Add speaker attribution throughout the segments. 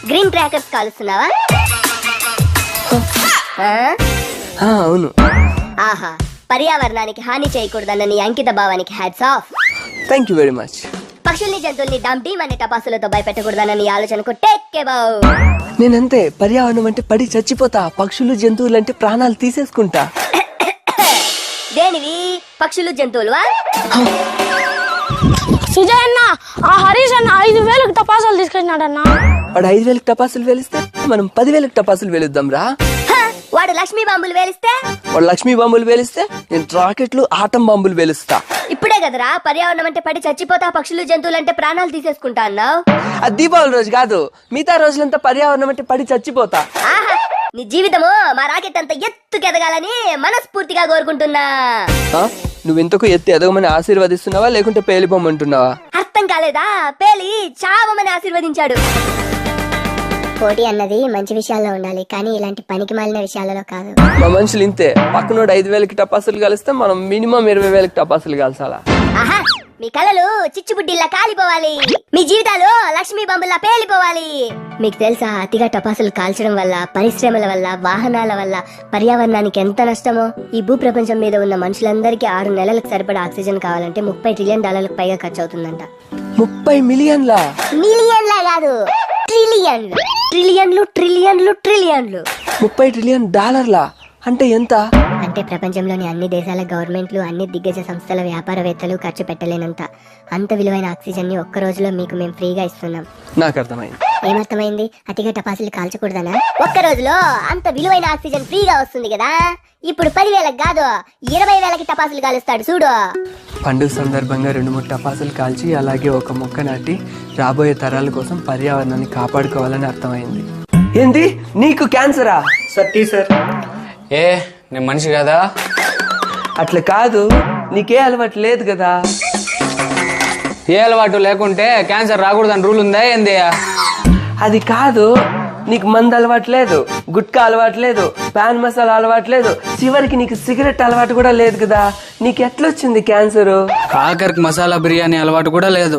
Speaker 1: Green crackers కాలుస్తున్నావా?
Speaker 2: అవును.
Speaker 1: ఆహా, పర్యావరణానికి హాని చేయకూడదన్న నీ అంకిత భావానికి hats off.
Speaker 2: Thank you very much.
Speaker 1: పక్షుల్ని జంతువుల్ని డంపీ అనే టపాసులతో భయపెట్టకూడదన్న నీ ఆలోచనకు టేక్ బావ్.
Speaker 2: నేనంతే, పర్యావరణం అంటే పడి చచ్చిపోతా, పక్షులు జంతువులు అంటే ప్రాణాలు తీసేసుకుంటా.
Speaker 1: దేనివి? పక్షులు జంతువులు?
Speaker 3: సుజయ్ అన్న, ఆ హరీష్ అన్న 5,000 టపాసాలు తీసుకొచ్చినాడన్న.
Speaker 2: వాడు 5,000 టపాసులు వేలిస్తే మనం 10,000 టపాసులు వేలుద్దాం రా.
Speaker 1: వాడు లక్ష్మీ బాంబులు వేలిస్తే?
Speaker 2: వాడు లక్ష్మీ బాంబులు వేలిస్తే నేను రాకెట్లు ఆటం బాంబులు వేలుస్తా.
Speaker 1: ఇప్పుడే కదరా పర్యావరణం అంటే పడి చచ్చిపోతా, పక్షులు జంతువులు అంటే ప్రాణాలు తీసేసుకుంటా అన్నావు.
Speaker 2: అది దీపావళి రోజు కాదు, మిగతా రోజులంతా పర్యావరణం అంటే పడి చచ్చిపోతా.
Speaker 1: ఆహా, నీ జీవితము మా రాకెట్ అంత ఎత్తుకెదగాలని మనస్ఫూర్తిగా కోరుకుంటున్నా.
Speaker 2: నువ్వెంతకు ఎత్తి ఎదగమని ఆశీర్వదిస్తున్నావా లేకుంటే పేలిపోమంటున్నావా?
Speaker 1: అర్థం కాలేదా? పేలి చావమని ఆశీర్వదించాడు. పోటీ అన్నది మంచి విషయాల్లో ఉండాలి, కానీ ఇలాంటి పనికి మాలిన విషయాలలో కాదు.
Speaker 2: మా మనుషులు ఇంతే, పక్కనోడు 5,000 టపాసులు కలిస్తే మనం మినిమం 20,000 టపాసులు కాల్చాలా.
Speaker 1: ఆహా, మీ కళలు చిచ్చుబుడ్డిల్లా కాలిపోవాలి, మీ జీవితాలు లక్ష్మీ బాంబుల్లా పేలిపోవాలి. మీకు తెలుసా, అతిగా టపాసులు కాల్చడం వల్ల, పరిశ్రమల వల్ల, వాహనాల వల్ల పర్యావరణానికి ఎంత నష్టమో? ఈ భూ ప్రపంచం మీద ఉన్న మనుషులందరికీ 6 నెలలకు సరిపడా ఆక్సిజన్ కావాలంటే $30 ట్రిలియన్ పైగా ఖర్చు అవుతుందంట.
Speaker 2: 30 మిలియన్లా?
Speaker 1: మిలియన్లా కాదు, ట్రిలియన్లు ట్రిలియన్లు ట్రిలియన్లు ట్రిలియన్లు.
Speaker 2: $30 ట్రిలియన్ అంటే ఎంత?
Speaker 1: అంటే ప్రపంచంలోని అన్ని దేశాల గవర్నమెంట్లు, అన్ని దిగ్గజ సంస్థల వ్యాపారవేత్తలు ఖర్చు పెట్టలేనంత అంత విలువైన ఆక్సిజన్ ని ఒక్క రోజులో మీకు మేము ఫ్రీగా ఇస్తున్నాం.
Speaker 2: నాకు అర్థమైంది.
Speaker 1: ఏమర్థమైంది? అతిగా టపాసులు కాల్చకూడదనా? ఒక్క రోజులో అంత విలువైన ఆక్సిజన్ ఫ్రీగా వస్తుంది కదా. ఇప్పుడు 10,000 కాదు 20,000 టపాసులు కాలుస్తాడు చూడు.
Speaker 2: పండుగ సందర్భంగా 2-3 టపాసులు కాల్చి అలాగే ఒక మొక్క నాటి రాబోయే తరాల కోసం పర్యావరణాన్ని కాపాడుకోవాలని అర్థమైంది. ఏంది, నీకు క్యాన్సరా?
Speaker 4: సార్ ఏ నేను మనిషి కదా?
Speaker 2: అట్లా కాదు, నీకే అలవాటు లేదు కదా.
Speaker 4: ఏ అలవాటు లేకుంటే క్యాన్సర్ రాకూడదని రూల్ ఉందా ఏంది?
Speaker 2: అది కాదు, నీకు మందు అలవాటు లేదు, గుట్కా అలవాటు లేదు, పాన్ మసాలా అలవాటు లేదు, చివరికి నీకు సిగరెట్ అలవాటు కూడా లేదు కదా. నీకు ఎట్లొచ్చింది క్యాన్సర్?
Speaker 4: కాకరికి మసాలా బిర్యానీ అలవాటు కూడా లేదు.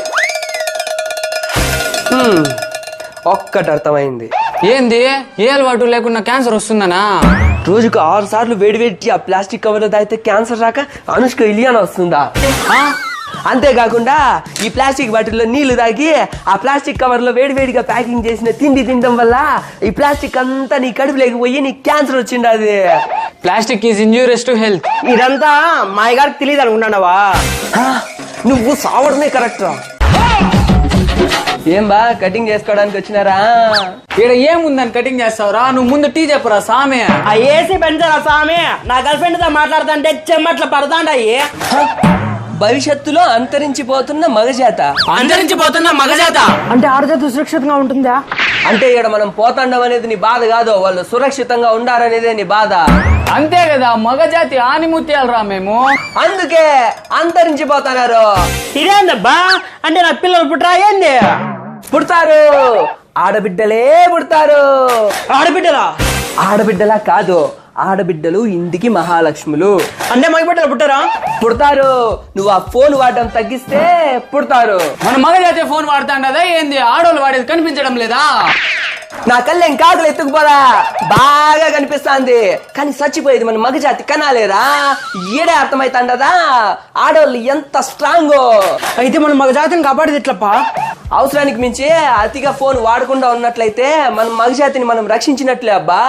Speaker 2: ఒక్కటి అర్థమైంది.
Speaker 4: ఏంది? ఏ అలవాటు లేకుండా క్యాన్సర్ వస్తుందనా?
Speaker 2: రోజుకు 6 సార్లు వేడివేడి ఆ ప్లాస్టిక్ కవర్ లో తాగితే క్యాన్సర్ రాక అనుష్క ఇలియానా వస్తుందా? అంతేకాకుండా ఈ ప్లాస్టిక్ బాటిల్లో నీళ్లు తాగి ఆ ప్లాస్టిక్ కవర్ లో వేడివేడిగా ప్యాకింగ్ చేసిన తిండి తినడం వల్ల ఈ ప్లాస్టిక్ అంతా నీ కడుపులోకి పోయి నీ క్యాన్సర్ వచ్చింది.
Speaker 4: Plastic is injurious to health.
Speaker 5: ఇదంతా మా గారికి తెలియదు అనుకున్నావా?
Speaker 2: నువ్వు సావడమే కరెక్ట్. ఏం బా కటింగ్ చేసుకోవడానికి వచ్చినారా?
Speaker 4: ఇక్కడ ఏముందని కటింగ్ చేస్తావురా? నువ్వు ముందు టీ చెప్పురా సామే.
Speaker 5: ఆ ఏసీ పెంచారా సామి? నా గర్ల్ ఫ్రెండ్ తో మాట్లాడుతుంటే చెమ్మట్ల పడతాండాయి.
Speaker 2: భవిష్యత్తులో అంతరించిపోతున్న మగజాత.
Speaker 4: అంతరించిపోతున్న మగజాత
Speaker 3: అంటే ఆడజాత సురక్షితంగా ఉంటుందా?
Speaker 2: అంటే ఇక్కడ మనం పోతాండం అనేది నీ బాధ కాదు, వాళ్ళు సురక్షితంగా ఉండాలనేదే నీ బాధ.
Speaker 4: అంతే కదా, మగజాతి ఆనిముత్యాలరా మేము.
Speaker 2: అందుకే అంతరించిపోతున్నారు.
Speaker 5: ఇదేందబ్బా? అంటే నా పిల్లలు పుట్టరా ఏంది?
Speaker 2: పుడతారు, ఆడబిడ్డలే పుడతారు.
Speaker 5: ఆడబిడ్డలా?
Speaker 2: ఆడబిడ్డలా కాదు, ఆడబిడ్డలు ఇంటికి మహాలక్ష్ములు.
Speaker 5: అంటే మగబిడ్డలు పుట్టారా?
Speaker 2: పుడతారు. నువ్వు ఆ ఫోన్ వాడటం తగ్గిస్తే పుడతారు.
Speaker 4: మన మగజాతి ఫోన్ వాడుతాండదా ఏంది? ఆడోళ్ళు వాడేది కనిపించడం లేదా?
Speaker 2: నా కళ్ళేం కాకులు ఎత్తుకుపోదా, బాగా కనిపిస్తాంది, కానీ చచ్చిపోయేది మన మగజాతి కనాలేరా. ఏడే అర్థమైతాండదా ఆడోళ్ళు ఎంత స్ట్రాంగో.
Speaker 5: అయితే మనం మగజాతిని కాపాడేది ఎట్లప్పా?
Speaker 2: అవసరానికి మించి అతిగా ఫోన్ వాడకుండా ఉన్నట్లయితే మన మగజాతిని మనం రక్షించినట్లే అబ్బా.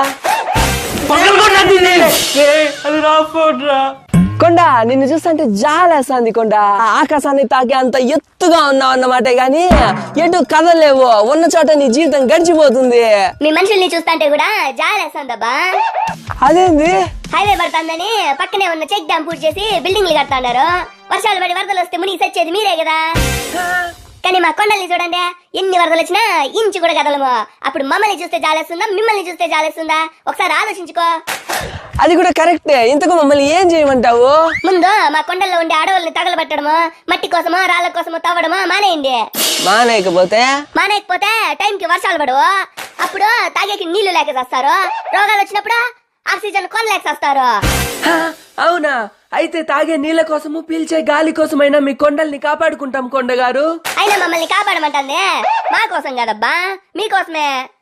Speaker 2: కొండ, నిన్ను చూస్తుంటే జాలేస్తాంది కొండ. ఆకాశాన్ని తాకి అంత ఎత్తుగా ఉన్నావు అన్నమాట, గాని ఎటు కదలేవు, ఉన్న చోట నీ జీవితం గడిచిపోతుంది.
Speaker 1: మీ మనుషుల్ని చూస్తుంటే కూడా జాలేస్తుందబ్బా.
Speaker 2: అదేంది?
Speaker 1: హైవే పడుతుందని పక్కనే ఉన్న చెక్ డ్యామ్ పూర్తి చేసి బిల్డింగ్లు కడతాండారు. వర్షాలు పడి వరదలు వస్తే మునిగి సచ్చేది మీరే కదా. కానీ మా కొండల్ని చూడండి, ఎన్ని వరదలు వచ్చినా ఇంచు కూడా కదలము. అప్పుడు మమ్మల్ని చూస్తే జాలేస్తుందా, మిమ్మల్ని చూస్తే జాలేస్తుందా? ఒకసారి ఆలోచించుకో.
Speaker 2: అది కూడా కరెక్టే. ఇంతకు మమ్మల్ని ఏం చేయమంటావు?
Speaker 1: ముందు మా కొండల్లో ఉండే అడవుల్ని తగలబెట్టడము, మట్టి కోసమో రాళ్ల కోసమో తవ్వడమో మానేయండి.
Speaker 2: మానేయకపోతే
Speaker 1: టైంకి వర్షాలు పడవు. అప్పుడు తాగేకి నీళ్లు లేక చేస్తారు. రోగాలు వచ్చినప్పుడు ఆక్సిజన్ కొనలేక చేస్తారు.
Speaker 2: అవునా? అయితే తాగే నీళ్ళ కోసము పీల్చే గాలి కోసమైనా మీ కొండల్ని కాపాడుకుంటాం కొండగారు.
Speaker 1: అయినా మమ్మల్ని కాపాడమంటుంది మా కోసం కదబ్బా, మీకోసమే.